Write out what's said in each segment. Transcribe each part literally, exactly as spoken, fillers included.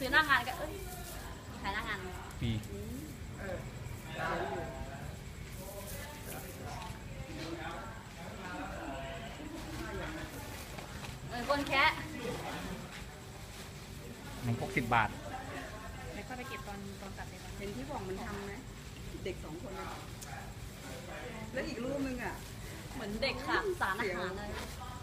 ซื้อหน้างานก็เอ้ยขายหน้างานฟรีเออคนแค่หนึ่งพกสิบบาทแล้วก็ไปเก็บตอนตอนตัดเลยเห็นที่บอกมันทำนะเด็กสองคนนะแล้วอีกรูปนึงอ่ะเหมือนเด็กค่ะสารอาหารเลย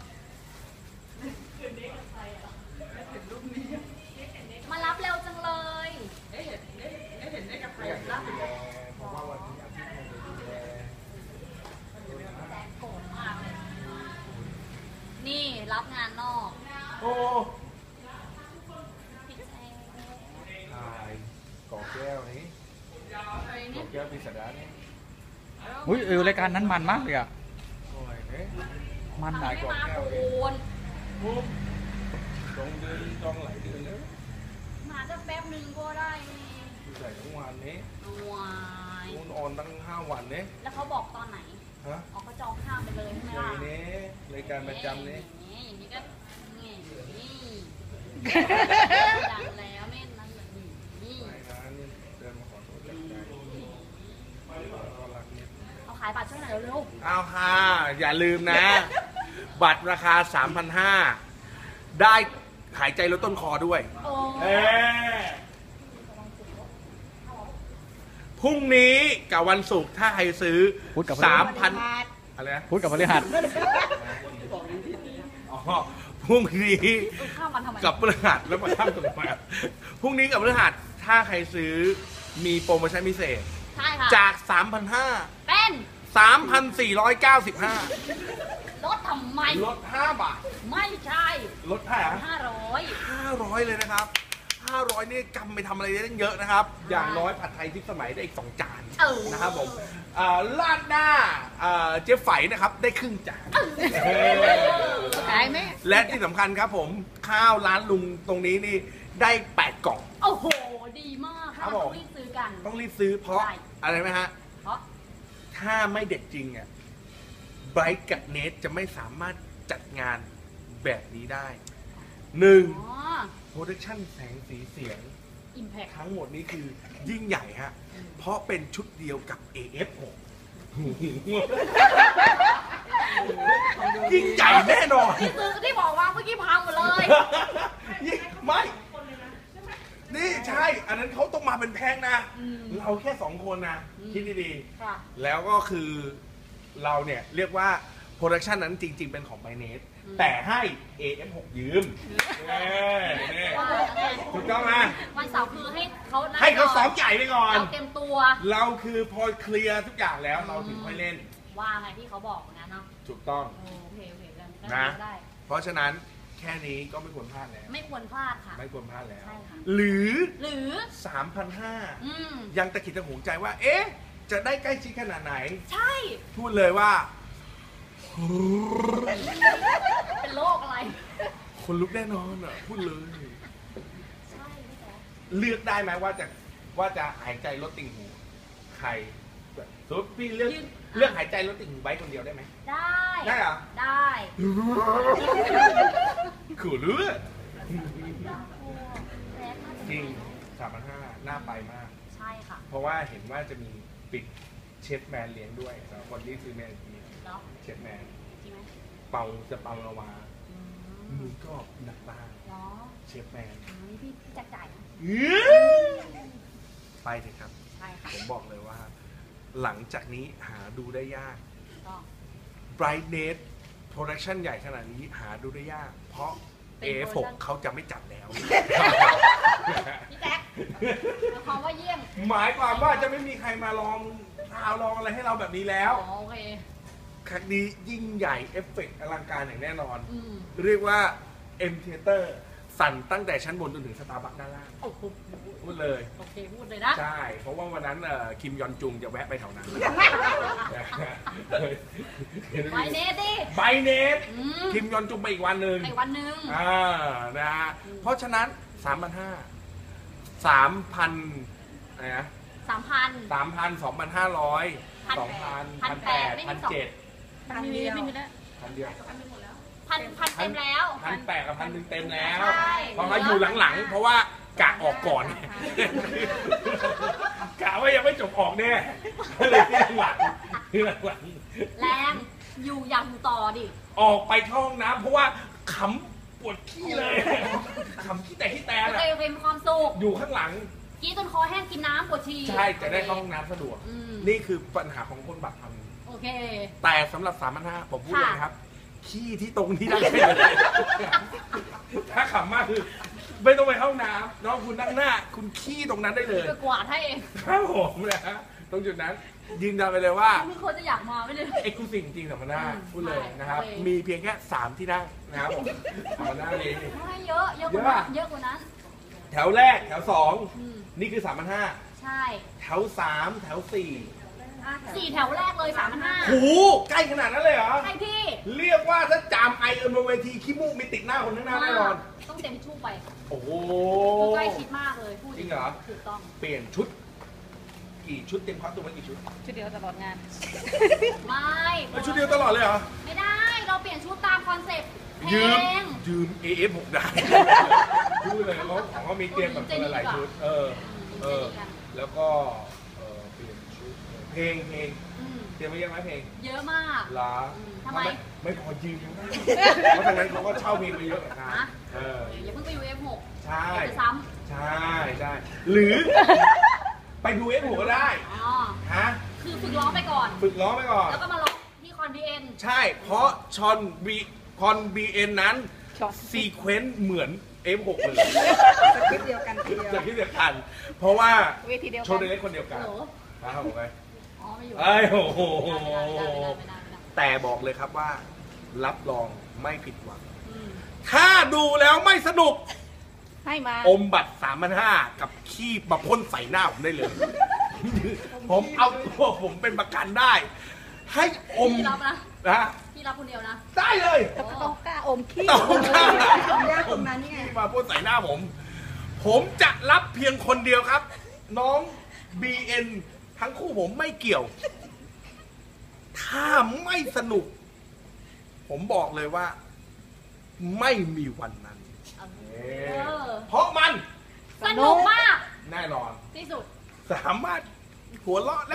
มารับเร็วจังเลยได้เห็นได้ได้เห็นได้กับใครรับเพราะว่าวันนี้อาทิตย์นึงดูแลแจ๊คโกรธมากเลยนี่รับงานนอกโอ้พี่แจ๊คถ่ายกอกแก้วนี้กอกแก้วปีศาจนี่อุ้ยเออรายการนั้นมันมากเลยอ่ะมันหลายกว่าแก้วเลยจองเดือนจองหลายเดือนแล้วมาจะแป๊บนึงก็ได้ใส่ทั้งวันนี้วายคุณออนตั้งห้าวันนี้แล้วเขาบอกตอนไหนฮะอ๋อเขาจองข้ามไปเลยใช่ไหมล่ะนี้รายการประจำนี้อย่างนี้ก็นี่ดังแล้วไม่นั่นแบบนี้นี่เดินมาขอโทษจากใจเอาขายบัตรช่วยหน่อยเร็วๆเอาค่ะอย่าลืมนะบัตรราคา สามพันห้าร้อย ได้หายใจลดต้นคอด้วยพรุ่งนี้กับวันศุกร์ถ้าใครซื้อ สามพัน อะไรนะพูดกับพฤหัสอ๋อพรุ่งนี้กับพฤหัสแล้วมาข้ามตรงมาพรุ่งนี้กับพฤหัสถ้าใครซื้อมีโปรโมชั่นพิเศษใช่ค่ะจาก สามพันห้าร้อยเป็นสามพันสี่ร้อยเก้าสิบห้าลดทำไมลดห้าบาทไม่ใช่ลดเท่าไหร่ห้าร้อยห้าร้อยเลยนะครับห้าร้อยนี่กำไปทำอะไรได้ตั้งเยอะนะครับอย่างน้อยผัดไทยทิพย์สมัยได้อีกสองจานนะครับผมลาดหน้าเจ๊ไฝนะครับได้ครึ่งจานขายไหมและที่สำคัญครับผมข้าวร้านลุงตรงนี้นี่ได้แปดกล่องโอ้โหดีมากครับต้องรีบซื้อกันต้องรีบซื้อเพราะอะไรไหมฮะเพราะถ้าไม่เด็ดจริงอ่ะไบรท์กับเนทจะไม่สามารถจัดงานแบบนี้ได้หนึ่งโปรดักชั่นแสงสีเสียง Impact ทั้งหมดนี้คือยิ่งใหญ่ฮะเพราะเป็นชุดเดียวกับ เอ เอฟ หก ยิ่งใหญ่แน่นอนที่ซื้อที่บอกว่าเมื่อกี้พังหมดเลยไม่นี่ใช่อันนั้นเขาต้องมาเป็นแพ็คนะเราแค่สองคนนะคิดดีๆแล้วก็คือเราเนี่ยเรียกว่าโปรดักชันนั้นจริงๆเป็นของไบเนสแต่ให้ เอ เอฟ หก ยืมถูกต้องไหมวันเสาร์คือให้เขาให้เขาซ้อมใหญ่ไปก่อนเราเต็มตัวเราคือพอเคลียร์ทุกอย่างแล้วเราถึงค่อยเล่นว่าไงที่เขาบอกนะเนาะถูกต้องโอเคโอเคกันนะเพราะฉะนั้นแค่นี้ก็ไม่ควรพลาดแล้วไม่ควรพลาดค่ะไม่ควรพลาดแล้วใช่ค่ะหรือหรือสามพันห้าร้อย ยังตะขิดตะหวงใจว่าเอ๊ะจะได้ใกล้ชิดขนาดไหนใช่พูดเลยว่าเป็นโรคอะไรคนลุกแน่นอนอ่ะพูดเลยใช่พี่แจ๊คเลือกได้ไหมว่าจะว่าจะหายใจลดติ่งหูใครสมมติพี่เลือกเลือกหายใจลดติ่งหูไว้คนเดียวได้ไหมได้ได้เหรอได้ขู่เลือกจริงสามพันห้าหน้าไปมากใช่ค่ะเพราะว่าเห็นว่าจะมีปิดเชฟแมนเลี้ยงด้วยสำหรับคนที่ซื้อแมนทีเชฟแมนเป่าจะเป่าละวามือก็หนักบ้างเชฟแมนนี่พี่จัดจ่ายไปเถอะครับใช่ค่ะผมบอกเลยว่าหลังจากนี้หาดูได้ยาก Brightness Production ใหญ่ขนาดนี้หาดูได้ยากเพราะ เอ เอฟ หก เขาจะไม่จัดแล้วพี่แจ๊คหมายความว่าเยี่ยมหมายความว่าจะไม่มีใครมาลองทาวลองอะไรให้เราแบบนี้แล้วโอเคครั้งนี้ยิ่งใหญ่เอฟเฟกต์อลังการอย่างแน่นอนเรียกว่า M Theater สั่นตั้งแต่ชั้นบนจนถึงสตาร์บัคด้านล่างพูดเลยโอเคพูดเลยนะใช่เพราะว่าวันนั้นคิมยอนจุงจะแวะไปแถวนั้นไบเนสดิไบเนสคิมยอนจุงไปอีกวันหนึ่งอีกวันหนึ่งอ่านะฮะเพราะฉะนั้นสามพันห้าสามพันอะไรนะสามพันสามพันสองพันห้าร้อยสองพันพันแปดพันเจ็ดพันเดียวพันเดียวพันพันเต็มแล้วพันแปดกับพันหนึ่งเต็มแล้วเพราะเขาอยู่หลังๆเพราะว่ากะออกก่อนกะว่ายังไม่จบออกแน่ก็เลยที่หลังที่หลังแรงอยู่อยากอยู่ต่อดิออกไปเข้าห้องน้ำเพราะว่าขำปวดขี้เลยขำขี้แต่ขี้แต่โอเคโอเคมีความสุขอยู่ข้างหลังกินจนคอแห้งกินน้ำปวดฉี่ใช่จะได้เข้าห้องน้ำสะดวกอืมนี่คือปัญหาของคนบัตรทำโอเคแต่สำหรับสามพันห้าผมพูดเลยค่ะนะครับ ขี้ที่ตรงนี้ได้เลยถ้าขำมากคือ ไม่ต้องไปเข้าห้องน้ำน้องคุณนั่งหน้า คุณขี้ตรงนั้นได้เลยไปกวาดให้เองครับผมนะฮะตรงจุดนั้นยืนยันไปเลยว่ามึงควรจะอยากมาไม่เลยเอ็กซ์คลูซีฟจริงๆสามพันห้าอืมพูดเลยนะครับโอเคมีเพียงแค่สามที่นั่งนะครับผมสามพันห้านี้ให้เยอะเยอะกว่านั้นเยอะกว่านั้นแถวแรกแถวสองอืมนี่คือสามพันห้าใช่แถวสามแถวสี่สี่แถวแรกเลยสามพันห้าโหใกล้ขนาดนั้นเลยเหรอใช่พี่เรียกว่าถ้าจามไอเอิญบนเวทีขี้มูกมีติดหน้าคนข้างหน้าแน่นอนต้องเต็มชู่ไปโอ้โหคือใกล้ชิดมากเลยพูดจริงเหรอถูกต้องเปลี่ยนชุด กี่ชุดเต็มคอสตูมไว้กี่ชุดชุดเดียวตลอดงานไม่เอ้ยชุดเดียวตลอดเลยเหรอไม่ได้เราเปลี่ยนชุดตามคอนเซ็ปต์เพลยืมงยืม เอ เอฟ หก ได้พูดเลยเขาของเขามีเตรียมแบบคนละหลายชุด เออ เออ แล้วก็เออเปลี่ยนชุด เพลงเพลงอืมเตรียมไว้เยอะไหมเพลงเยอะมากล้าอืมทำไมไม่พอยืมยังได้เพราะทางนั้นเขาก็เช่าเพลงไปเยอะเหมือนกันฮะเอออย่าเพิ่งไปยู เอฟ หกใช่เดี๋ยวจะซ้ใช่ใช่หรือ ไปดูเอฟหัวก็ได้ำอ๋อฮะคือฝึกร้องไปก่อนฝึกร้องไปก่อนแล้วก็มาร้องที่คอนบีเอ็นใช่ เพราะชอนบีคอนบีเอ็นนั้นช็อตซีเควนต์เหมือน เอฟ หก เลยสคริปต์เดียวกันทีเดียวจะคิดเดียวกัน เพราะว่าเวทีเดียวโชกัว์นเล็กคนเดียวกันโหลนะครับผมไงอ๋อไม่อยู่เอ้ยโอ้โหไม่ได้ไม่ได้ไม่ได้ไม่ได้ไม่ได้แต่บอกเลยครับว่า รับรองไม่ผิดหวังอืมถ้าดูแล้วไม่สนุกให้มาอมบัตรสามพันห้ากับขี้มาพ่นใส่หน้าผมได้เลย ผมเอาตัวผมเป็นประกันได้ ให้อมพี่รับนะนะพี่รับคนเดียวนะได้เลยโอ้ต้องกล้าอมขี้ต้องกล้ายากตรงนั้นไงขี้มาพ่นใส่หน้าผม ผมจะรับเพียงคนเดียวครับ น้อง บี เอ็น ทั้งคู่ผมไม่เกี่ยว ถ้าไม่สนุก ผมบอกเลยว่า ไม่มีวันนั้นเออเพราะมันสนุกมากแน่นอนที่สุดสามารถหัวเราะแล้ว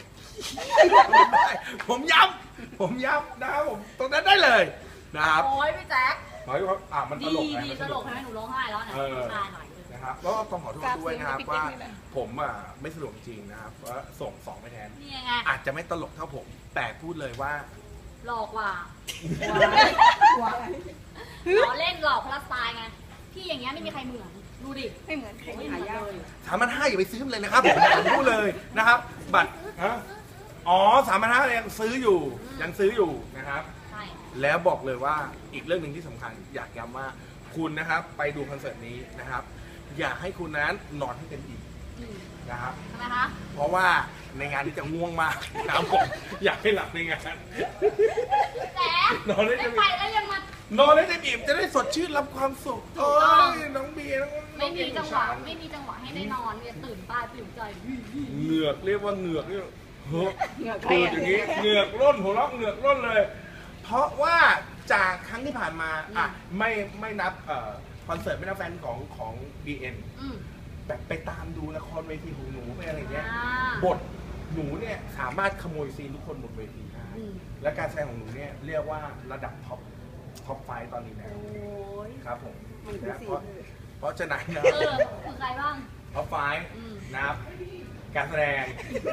ผมย้ำผมย้ำนะครับผมตรงนั้นได้เลยนะครับโอ้ยพี่แจ๊คหมายความว่าอ่ะมันตดีลกไงดีมันตลกให้หนูร้องไห้แล้วเนี่ยเออใช่หน่อยเลยนะครับแล้วก็ต้องขอโทษด้วยนะครับกราบว่าเสียงพี่ปิ๊กนี่แหละผมอ่ะไม่สะดวกจริงนะครับว่าส่งสองไปแทนนี่ไงอาจจะไม่ตลกเท่าผม แต่พูดเลยว่าหลอกว่าว้ายล้อเล่นหลอกพลัสไตล์ไงพี่อย่างเงี้ยไม่มีใครเหมือนดูดิไม่เหมือนใครไม่หาเหมือนยากเลยสามพันห้าอย่าไปซื้อมันเลยนะครับผมผมพูดเลยนะครับ บัตรฮะอ๋อสามพันห้ายังซื้ออยู่ยังซื้ออยู่นะครับใช่แล้วบอกเลยว่าอีกเรื่องหนึ่งที่สำคัญ อยากย้ำว่าคุณนะครับไปดูคอนเสิร์ตนี้นะครับ อยากให้คุณนั้นนอนให้เต็มอิ่มอืมนะครับทำไมคะเพราะว่าในงานนี้จะง่วงมากนะครับผมอยากให้หลับในงานแจ๊คนอนได้ไม่เต็มไปอิ่มแล้วยังมานอนให้เต็มอิ่มจะได้สดชื่นรับความสุขถูโอ้กต้องยน้องเบียร์น้องไม่มีน้อจังเบีหวะยร์ไม่มีจังหวะให้ได้นอนเนี่ยตื่นตาตื่นใจเหงือกเรียกว่าเหงือกเนี่ยเฮ้อเหงื่อใครเปิดอะอย่างนี้เหงือกร่นหัวเราะเหงือกร่นเลย เพราะว่าจากครั้งที่ผ่านมาอ่ะไม่ไม่นับเอ่อคอนเสิร์ตไม่นับแฟนของของ บี เอ็นอืมแบบไปตามดูละครเวทีของหนูไปอะไรเงี้ยอ่าบทหนูเนี่ยสามารถขโมยซีนทุกคนบนเวทีได้อืมและการแสดงของหนูเนี่ยเรียกว่าระดับท็อปท็อปไฟว์ตอนนี้แล้วโอ้ยครับผมมันคือนะสีเพราะเพราะฉะนั้นนะเออคือใครบ้างท็อปไฟว์อืมนะครับการแสดง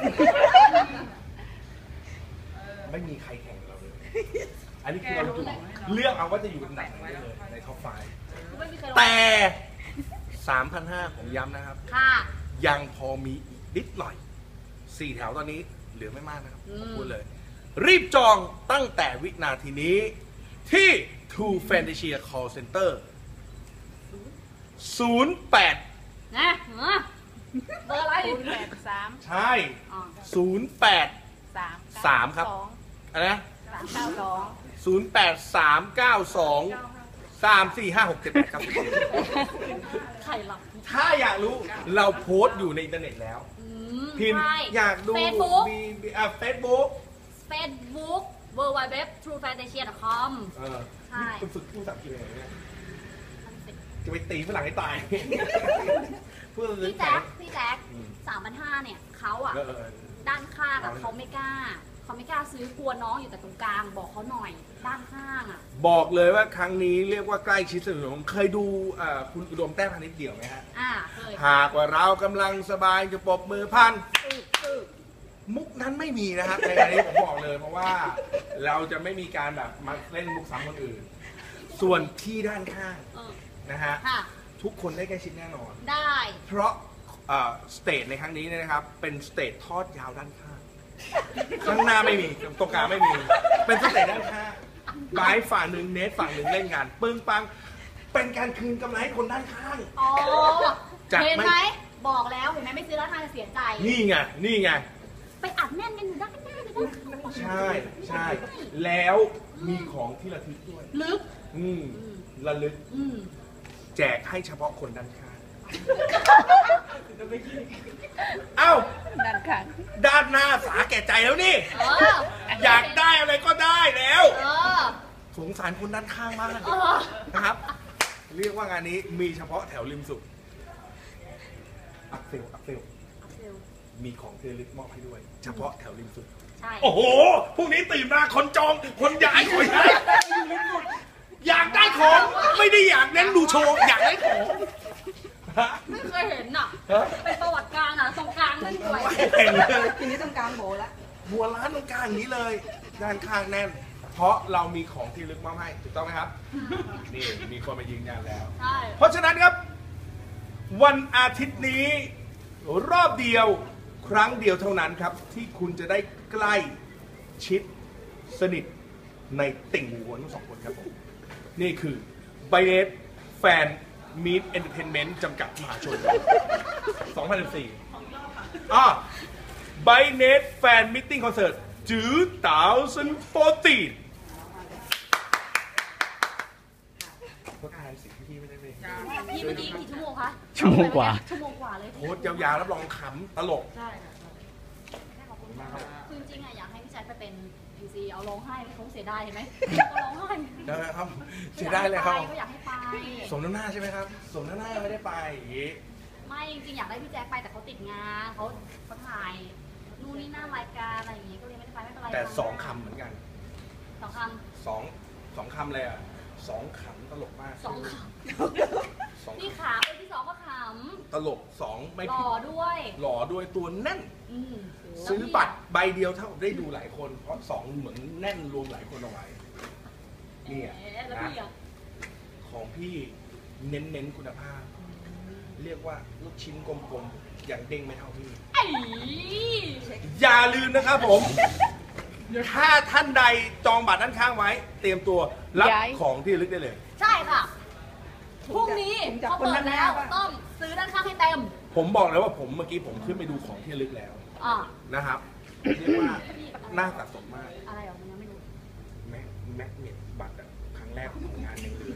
ไม่มีใครแข่งเราเลย อันนี้คือเราอยู่เลือกเอาว่าจะอยู่อันดับไหนได้เลยในท็อปไฟว์ไม่มีใครร้องแต่ สามพันห้าผมย้ำนะครับค่ะยังพอมีอีกนิดหน่อยสี่แถวตอนนี้เหลือไม่มากนะครับอืมผมพูดเลย รีบจองตั้งแต่วินาทีนี้ที่ True Fantasia Call Center ศูนย์ แปดนะเหรอเบอร์อะไรศูนย์แปดสามใช่อ๋อศูนย์ แปดสามสามครับ อะไรนะสามเก้าสองศูนย์ แปด สาม เก้า สอง สาม สี่ ห้า หก เจ็ด แปดครับใครหลับถ้าอยากรู้เราโพสต์อยู่ในอินเทอร์เน็ตแล้วอืมพิมพ์ใช่อยากดูเฟซบุ๊กมีมีอ่ะเฟซบุ๊กเฟซบุ๊ก w w w t r u e f a n t a s i a ดอท คอมเออใช่คุณฝึกพูดภาษาอังกฤษอะไรเนี่ยจะไปตีฝรั่งให้ตายเพื่อซื้อพี่แข็แจ๊งคพี่แจ๊คสามพันห้าเนี่ยเขาอ่ะเออเออด้านข้างอ่ะเขาไม่กล้าเขาไม่กล้าซื้อกลัวน้องอยู่แต่ตรงกลางบอกเขาหน่อยด้านข้างอ่ะบอกเลยว่าครั้งนี้เรียกว่าใกล้ชิดสุดผมเคยดูเอ่อคุณอุดมแต้มพานิชเดี่ยวไหมฮะอ่าเคยหากว่าเรากำลังสบายจะปรบมือพันมุกนั้นไม่มีนะครับในอันนี้ผมบอกเลยเพราะว่าเราจะไม่มีการแบบมาเล่นมุกซ้ำคนอื่น ส่วนที่ด้านข้างเออนะฮะค่ะทุกคนได้ใกล้ชิดแน่นอนได้เพราะสเตจในครั้งนี้เนี่ยนะครับเป็นสเตจทอดยาวด้านข้างข้างหน้าไม่มีตรงกลางไม่มี เป็นสเตจด้านข้างบายฝั่งหนึ่งเนทฝั่งหนึ่งเล่นงานปึ้งปังเป็นการคืนกำไรให้คนด้านข้างอ๋อจากไม่เห็นไหมบอกแล้วเห็นไหมไม่ซื้อแล้วทางจะเสียใจนี่ไงนี่ไงไปอัดแน่นกันอยู่ด้านหน้าเลยด้านข้างใช่ใช่แล้วมีของที่ระทึกด้วยลึกอืมระลึกอืมแจกให้เฉพาะคนด้านข้างเอ้าด้านข้างด้านหน้าสาแก่ใจแล้วนี่เอออยากได้อะไรก็ได้แล้วเออสงสารคนด้านข้างมากเออนะครับ เรียกว่างานนี้มีเฉพาะแถวริมสุดอัพเซลอัพเซลมีของเทลิสมอบให้ด้วย เฉพาะแถวริมสุดใช่โอ้โหพรุ่งนี้ตื่นมาคนจองคนย้ายคนย้ายอยากได้ของไม่ได้อยากเน้นดูโชว์อยากได้ของฮะไม่เคยเห็นอ่ะฮะเป็นประวัติการอ่ะตรงกลางนั่นด้วยเห็นเลยทีนี้ต้องกลางโบละหัวร้านตรงกลางอย่างนี้เลย ด้านข้างแน่น เพราะเรามีของที่ลึกมอบให้ถูกต้องไหมครับ นี่มีคนมายืนยันแล้วใช่เพราะฉะนั้นครับ วันอาทิตย์นี้ รอบเดียวครั้งเดียวเท่านั้นครับ ที่คุณจะได้ใกล้ชิดสนิทในติ่งหูทั้งสองคนครับผมนี่คือไบเนสแฟนมีดเอนเตอร์เทนเมนต์จำกัดมหาชน สองพันสิบสี่ อ่าไบเนสแฟนมิทติ้งคอนเสิร์ตจื้อเต๋าซันโฟตีก็ทายสิพี่ไม่ได้เลยพี่เมื่อกี้กี่ชั่วโมงคะชั่วโมงกว่าชั่วโมงกว่าเลยโค้ดยาวๆรับรองขำตลกใช่ค่ะขอบคุณมากคือจริงๆอะอยากให้พี่แจ๊คไปเป็นพีซีเอาร้องไห้เขาเสียดายเห็นไหมเขาร้องไห้นะครับเสียดายเลยครับก็อยากให้ไปสมน้ำหน้าใช่ไหมครับ สมน้ำหน้าไม่ได้ไปอย่างงี้ไม่จริงๆอยากได้พี่แจ๊คไปแต่เขาติดงานเขาเขาถ่ายนู่นนี่หน้ารายการอะไรอย่างงี้ก็เลยไม่ได้ไปไม่เป็นไรแต่สองคำเหมือนกันสองคสองสองคำเลยอ่ะสองขำตลกมากำสองคสองำนี่ขาคนที่สองก็ขตลกสองไม่ำหผิล่ดอด้วยหล่อด้วยตัวแน่นอืมซื้อบัตรใบเดียวเท่ากับได้ดูหลายคน เพราะสองเหมือนแน่นรวมหลายคนเอาไว้ นี่อะเอ๊ะแล้วนะพี่อะของพี่เน้นๆคุณภาพ เรียกว่าลูกชิ้นกลมๆอย่างเด้งไม่เท่าพี่ไอ้อย่าลืมนะครับผม ถ้าท่านใดจองบัตรด้านข้างไว้ เตรียมตัวรับย้ายของที่ระลึกได้เลยใช่ค่ะพรุ่งนี้ผมจะเขาคนเปิด้าดนหน้าแล้วป่ะต้องซื้อด้านข้างให้เต็มผมบอกเลยว่าผมเมื่อกี้ผมขึ้นไปดูของที่ระลึกแล้วอ่านะครับ เรียกว่าน่าสะสมมากอะไรอ่ะมันยังไม่รู้แม็กแม็กเน็ตบัตรอะครั้งแรกของงานยังเหลือ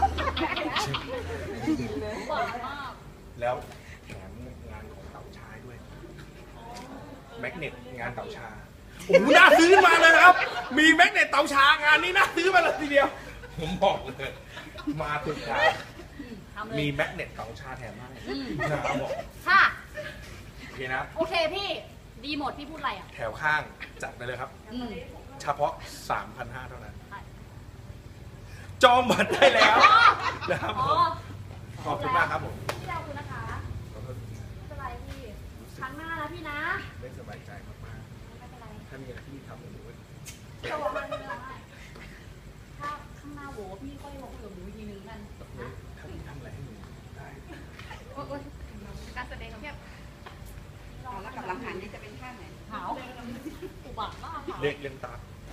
หวานมากแล้วแถมงานของเต่าชายด้วยแม็กเน็ตงานเต่าชาโอ้โหน่าซื้อมาเลยนะครับ มีแม็กเน็ตเต่าชางานนี้น่าซื้อมาเลยทีเดียว ผมบอกเลย มาถึงครับทำเลยมีแม็กเน็ตเต่าชาแถมให้อืมนะครับผมค่ะโอเคนะโอเคพี่ ดีหมดพี่พูดอะไรอ่ะแถวข้างจัดไปเลยครับอืมเฉพาะ สามพันห้าร้อย เท่านั้น จองบัตรได้แล้วนะครับอ๋ผอมขอบคุณมากครับผมพี่เราคุณนะคะไม่เป็นไรพี่ครั้งหน้านะพี่นะไม่สบายใจมากไม่เป็นไรๆถ้ามีอะไรที่ทำกับหนูจะบอกให้ไม่ได้ถ้าข้างหน้าโหวพี่ก็ยังบอกคุยกับหนูอีกทีนึงกันนะทำทำอะไรให้หนูได้โอ๊ยการแสดงของพี่เอาแล้วกับหลังหันนี่จะเป็นท่าไหนหาวอุบัติมากหาวเรียกเรียงตา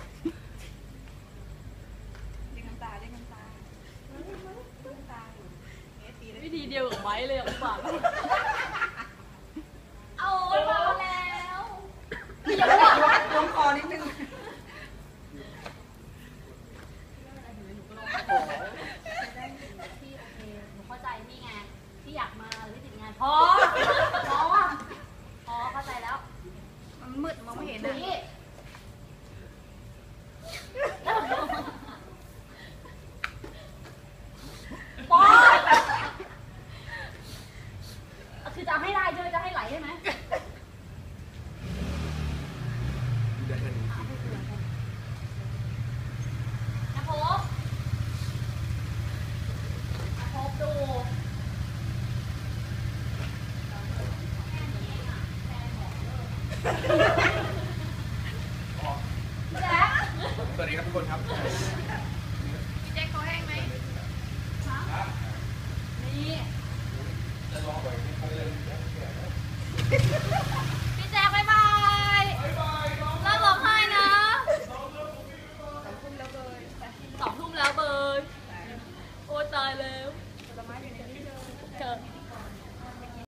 เรียกน้ำตาเรียกน้ำตาเรียกน้ำตาอยู่เอ๊ะตีเลยวิธีเดียวกับไม้เลยอุบัติเอามาแล้วพี่ยังไม่บอกว่าลงคอนิดนึงพี่โอเคหนูเข้าใจพี่ไงพี่อยากมาหรือพี่ติดงานพอพอพอเข้าใจแล้วมันมืดมองไม่เห็นหนูนะนี่ปอคือจะเอาให้ได้ใช่ไหมจะให้ไหลใช่ไหมได้แค่นี้นะพบนะพบดูแจ๊คสวัสดีครับทุกคนครับพี่แจ๊คคอแห้งไหมนี่